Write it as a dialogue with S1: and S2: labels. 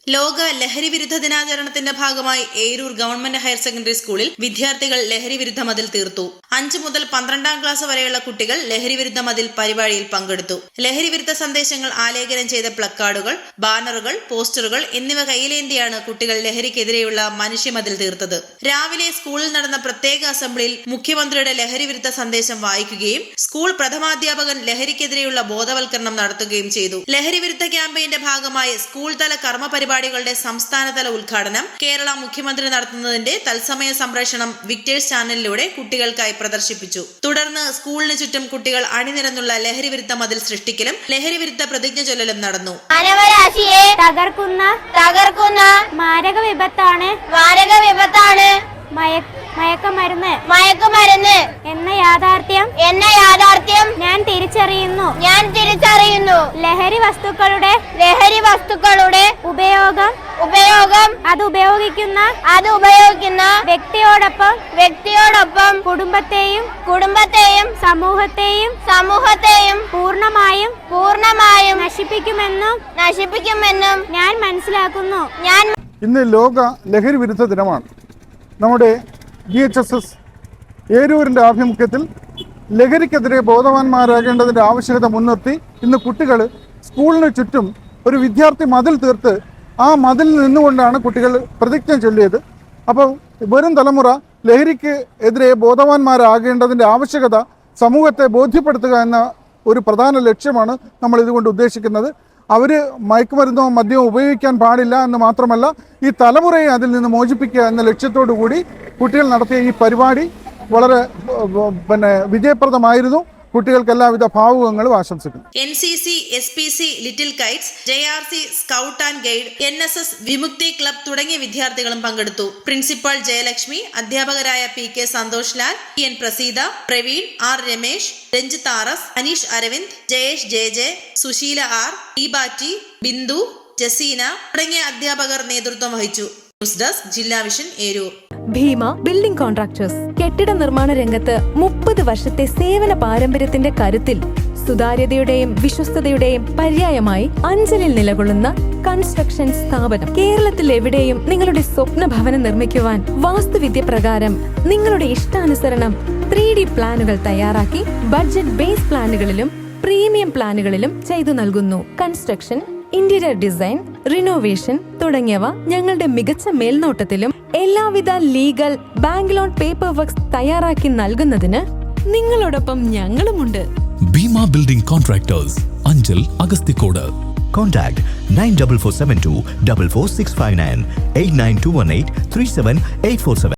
S1: ലോക ലഹരി വിരുദ്ധ ദിനാചരണത്തിന്റെ ഭാഗമായി ഏരൂർ ഗവൺമെന്റ് ഹയർ സെക്കൻഡറി സ്കൂളിൽ വിദ്യാർത്ഥികൾ ലഹരി വിരുദ്ധ മതിൽ തീർത്തു. 5 മുതൽ 12ാം ക്ലാസ് വരെയുള്ള കുട്ടികൾ ലഹരി വിരുദ്ധ മതിൽ പരിപാടിയിൽ പങ്കെടുത്തു. ലഹരി വിരുദ്ധ സന്ദേശങ്ങൾ ആലേഖനം ചെയ്ത പ്ലക്കാർഡുകൾ, ബാനറുകൾ, പോസ്റ്ററുകൾ എന്നിവ കയ്യിലേന്തിയാണ് കുട്ടികൾ ലഹരിക്കെതിരെയുള്ള മനുഷ്യമതിൽ തീർത്തത്. രാവിലെ സ്കൂളിൽ നടന്ന പ്രത്യേക അസംബ്ലിയിൽ മുഖ്യമന്ത്രിയുടെ ലഹരി വിരുദ്ധ സന്ദേശം വായിക്കുകയും സ്കൂൾ പ്രഥമാധ്യാപകൻ ലഹരിക്കെതിരെയുള്ള ബോധവൽക്കരണം നടത്തുകയും ചെയ്തു. ലഹരി വിരുദ്ധ ക്യാമ്പയിന്റെ ഭാഗമായി സ്കൂൾ തല കർമ്മ പരിപാടികളുടെ സംസ്ഥാനതല ഉദ്ഘാടനം കേരള മുഖ്യമന്ത്രി നടത്തുന്നതിന്റെ തത്സമയ സംപ്രേഷണം വിക്ടേഴ്സ് ചാനലിലൂടെ കുട്ടികൾക്കായി പ്രദർശിപ്പിച്ചു. തുടർന്ന് സ്കൂളിന് ചുറ്റും കുട്ടികൾ അണിനിരന്നുള്ള ലഹരി വിരുദ്ധ മതിൽ സൃഷ്ടിക്കലും ലഹരി വിരുദ്ധ പ്രതിജ്ഞ ചൊല്ലലും നടന്നു.
S2: മാനവരാശിയെ തകർക്കുന്ന മാരക വിപത്താണ് മയക്കുമരുന്ന് എന്ന യാഥാർത്ഥ്യം ഞാൻ തിരിച്ചറിയുന്നു. ലഹരി വസ്തുക്കളുടെ ഉപയോഗം അത് ഉപയോഗിക്കുന്ന വ്യക്തിയോടൊപ്പം കുടുംബത്തെയും സമൂഹത്തെയും പൂർണ്ണമായും നശിപ്പിക്കുമെന്നും ഞാൻ മനസ്സിലാക്കുന്നു.
S3: ഇന്ന് ലോക ലഹരി വിരുദ്ധ ദിനമാണ്. നമ്മുടെ GHSS ഏരൂരിൻ്റെ ആഭിമുഖ്യത്തിൽ ലഹരിക്കെതിരെ ബോധവാന്മാരാകേണ്ടതിൻ്റെ ആവശ്യകത മുൻനിർത്തി ഇന്ന് കുട്ടികൾ സ്കൂളിന് ചുറ്റും ഒരു വിദ്യാർത്ഥി മതിൽ തീർത്ത് ആ മതിലിൽ നിന്നുകൊണ്ടാണ് കുട്ടികൾ പ്രതിജ്ഞ ചൊല്ലിയത്. അപ്പോൾ വരും തലമുറ ലഹരിക്ക് എതിരെ ബോധവാന്മാരാകേണ്ടതിൻ്റെ ആവശ്യകത സമൂഹത്തെ ബോധ്യപ്പെടുത്തുക എന്ന ഒരു പ്രധാന ലക്ഷ്യമാണ് നമ്മൾ ഇതുകൊണ്ട് ഉദ്ദേശിക്കുന്നത്. അവർ മയക്കുമരുന്നോ മദ്യമോ ഉപയോഗിക്കാൻ പാടില്ല എന്ന് മാത്രമല്ല, ഈ തലമുറയെ അതിൽ നിന്ന് മോചിപ്പിക്കുക എന്ന ലക്ഷ്യത്തോടു കൂടി കുട്ടികൾ നടത്തിയ ഈ പരിപാടി വളരെ വിജയപ്രദമായിരുന്നു. കുട്ടികൾക്ക് എല്ലാവിധ ഭാവുകങ്ങളും ആശംസിക്കുന്നു.
S1: NCC, SPC, little kites, JRC, scout and guide, NSS, Vimukthi club തുടങ്ങിയ വിദ്യാർത്ഥികളും പങ്കെടുത്തു. പ്രിൻസിപ്പൽ ജയലക്ഷ്മി, അധ്യാപകരായ PK Santhosh Lal, TN Praseetha, Praveen, R Ramesh, Ranjith RS, Aneesh Aravind, Jayesh JJ, Susheela R, ഈബാറ്റി, Bindu, Jaseena തുടങ്ങിയ അധ്യാപകർ നേതൃത്വം വഹിച്ചു. ന്യൂസ് ഡെസ്ക് ജില്ലാ vision Eroor.
S4: Bhima building contractors കെട്ടിട നിർമ്മാണ രംഗത്ത് 30 വർഷത്തെ സേവന പാരമ്പര്യത്തിന്റെ കരുത്തിൽ സുതാര്യതയുടെയും വിശ്വസ്തതയുടെയും പര്യായമായി അഞ്ചലിൽ നിലകൊള്ളുന്ന കൺസ്ട്രക്ഷൻ സ്ഥാപനം. കേരളത്തിൽ എവിടെയും നിങ്ങളുടെ സ്വപ്ന ഭവനം നിർമ്മിക്കുവാൻ വാസ്തുവിദ്യ പ്രകാരം നിങ്ങളുടെ ഇഷ്ടാനുസരണം 3D പ്ലാനുകൾ തയ്യാറാക്കി ബഡ്ജറ്റ് ബേസ് പ്ലാനുകളിലും പ്രീമിയം പ്ലാനുകളിലും ചെയ്തു നൽകുന്നു. കൺസ്ട്രക്ഷൻ, ഇന്റീരിയർ ഡിസൈൻ, റിനോവേഷൻ തുടങ്ങിയവ ഞങ്ങളുടെ മികച്ച മേൽനോട്ടത്തിലും എല്ലാവിധ legal bank loan paper works തയ്യാറാക്കി നൽകുന്നതിന് നിങ്ങളോടൊപ്പം ഞങ്ങളുമുണ്ട്.
S5: Bhima building contractors, Anchal, Agasthikode.
S6: Contact 94472 44659 89218 37847.